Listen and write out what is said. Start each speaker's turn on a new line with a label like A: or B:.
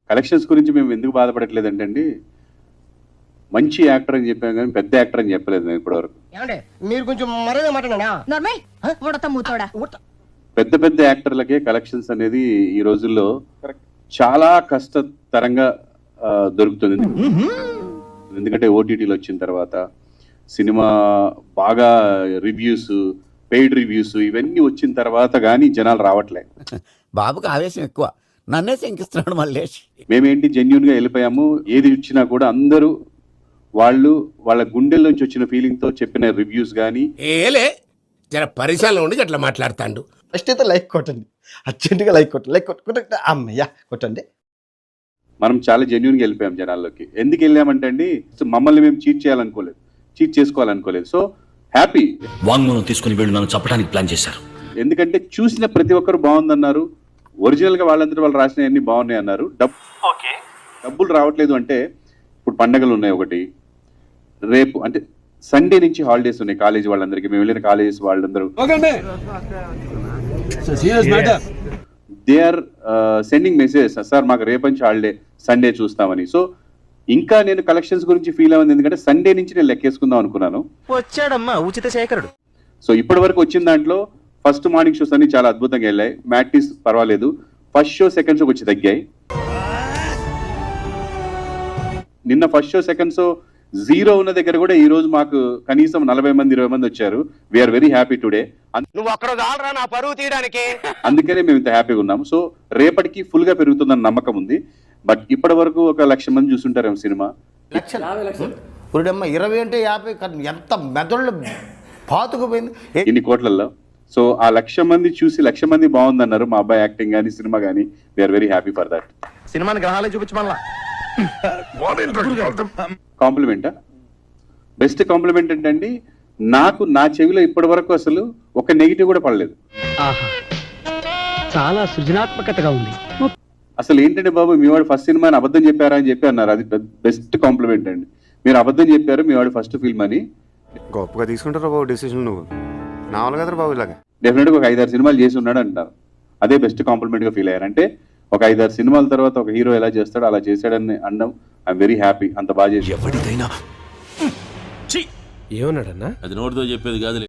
A: Collections గురించి మేము ఎందుకు బాధపడట్లేదంటే అండి, మంచి యాక్టర్ అని చెప్పాం కానీ పెద్ద యాక్టర్ అని చెప్పలేదు మేము ఇప్పటివరకు.
B: మీరు కొంచెం మరేదే మాట్లాడా
A: పెద్ద పెద్ద యాక్టర్లకే కలెక్షన్స్ అనేది ఈ రోజుల్లో చాలా కష్టతరంగా దొరుకుతుంది. ఎందుకంటే ఓటీటీలు వచ్చిన తర్వాత సినిమా బాగా రివ్యూస్, పెయిడ్ రివ్యూస్ ఇవన్నీ వచ్చిన తర్వాత కానీ జనాలు రావట్లే.
C: బాబుకి ఆవేశం ఎక్కువ, నన్నే శంకిస్తున్నాడు మల్లేష్.
A: మేమేంటి జెన్యున్ గా వెళ్ళిపోయాము. ఏది ఇచ్చినా కూడా అందరూ వాళ్ళ గుండెల్లోంచి వచ్చిన ఫీలింగ్ తో చెప్పిన రివ్యూస్ కానీ
D: ఏలే జర పరిసరాలు ఉండి అట్లా మాట్లాడతాండు.
B: ఫస్ట్ అయితే లైక్ కొట్టండి, అర్జెంటుగా లైక్ కొట్టండి, లైక్ కొట్టండి, అమ్మయ్యా కొట్టండి.
A: మనం చాలా జెన్యున్ గా వెళ్ళిపోయాం జనాల్లోకి. ఎందుకు వెళ్ళామంటే అండి, మమ్మల్ని మేము చీట్ చేయాలనుకోలేదు, చీట్ చేసుకోవాలనుకోలేదు. So happy.
E: వాంగ్మూలం తీసుకుని వీళ్ళు నన్ను చంపడానికి ప్లాన్ చేశారు.
A: ఎందుకంటే చూసిన ప్రతి ఒక్కరు బాగుందన్నారు, ఒరిజినల్ గా వాళ్ళందరూ వాళ్ళు రాసిన అన్ని బాగున్నాయి అన్నారు. డబ్బులు రావట్లేదు అంటే ఇప్పుడు పండగలు ఉన్నాయి, ఒకటి రేపు అంటే సండే నుంచి హాలిడేస్ ఉన్నాయి కాలేజీ వాళ్ళందరికీ. మేము వెళ్ళిన కాలేజెస్ వాళ్ళందరూ they are sending message, sir మాకు రేపు నుంచి హాలిడే, సండే చూస్తామని. సో ఇంకా నేను కలెక్షన్స్ గురించి ఫీల్ అవ్వదు, ఎందుకంటే సండే నుంచి నేను లెక్కేసుకుందాం అనుకున్నాను.
F: వచ్చాడమ్మా ఉచిత శేఖరుడు.
A: సో ఇప్పటి వరకు వచ్చిన దాంట్లో ఫస్ట్ మార్నింగ్ షోస్ అన్ని చాలా అద్భుతంగా వెళ్ళాయి, మ్యాట్నీస్ పర్వాలేదు, ఫస్ట్ షో సెకండ్ షో వచ్చి తగ్గాయి. నిన్న ఫస్ట్ షో సెకండ్ షో 0 ఉన్న దగ్గర కూడా ఈ రోజు మాకు కనీసం 40 మంది 20 మంది వచ్చారు. We are very happy today.
F: నువ్వు అక్కడ చాలరా నా పరువు తీయడానికి.
A: అందుకనే మేము ఇంత హ్యాపీగా ఉన్నాము. సో రేపటికి ఫుల్ గా పెరుగుతుందన్న నమ్మకం ఉంది. బట్ ఇప్పటి వరకు 1,00,000 మంది చూస్తుంటారేమో సినిమా.
C: పురుడమ్మ 20 అంటే 50, ఎంత మెదళ్ళు పాతుకుపోయింది
A: ఇన్ని కోట్లలో. సో ఆ 1,00,000 మంది చూసి 1,00,000 మంది బాగుందన్నారు. మా అబ్బాయి యాక్టింగ్ కానీ సినిమా కానీ. We are very happy for that.
F: సినిమాని గ్రహాలే చూపించమల్లా.
A: కాంప్లిమెంటా? బెస్ట్ కాంప్లిమెంట్ ఏంటండి, నాకు నా చెవిలో ఇప్పటి వరకు అసలు ఒక నెగిటివ్ కూడా పడలేదు.
G: చాలా సృజనాత్మకతగా ఉంది.
A: అసలు ఏంటంటే బాబు, మీ వాడు ఫస్ట్ సినిమా అని అబద్ధం చెప్పారా అని చెప్పి అన్నారు. అది బెస్ట్ కాంప్లిమెంట్ అండి. మీరు అబద్ధం చెప్పారు, మీ వాడు ఫస్ట్ ఫిల్మ్ అని.
H: గొప్పగా తీసుకుంటారు బాబు డెసిషన్. నువ్వు నా వల్ల కదా బాబు ఇలాగా.
A: డెఫినెట్ గా ఒక 5-6 సినిమాలు చేసి ఉన్నాడు అంటారు. అదే బెస్ట్ కాంప్లిమెంట్ గా ఫీల్ అయ్యారంటే ఒక 5-6 సినిమాల తర్వాత ఒక హీరో ఎలా చేస్తాడో అలా చేశాడని అనడం ఐఎమ్ వెరీ హ్యాపీ. అంత బాగా చేసి
E: ఎవరిదైనా
D: ఏమన్నాడన్నా?
E: అది నోటితో చెప్పేది కాదు.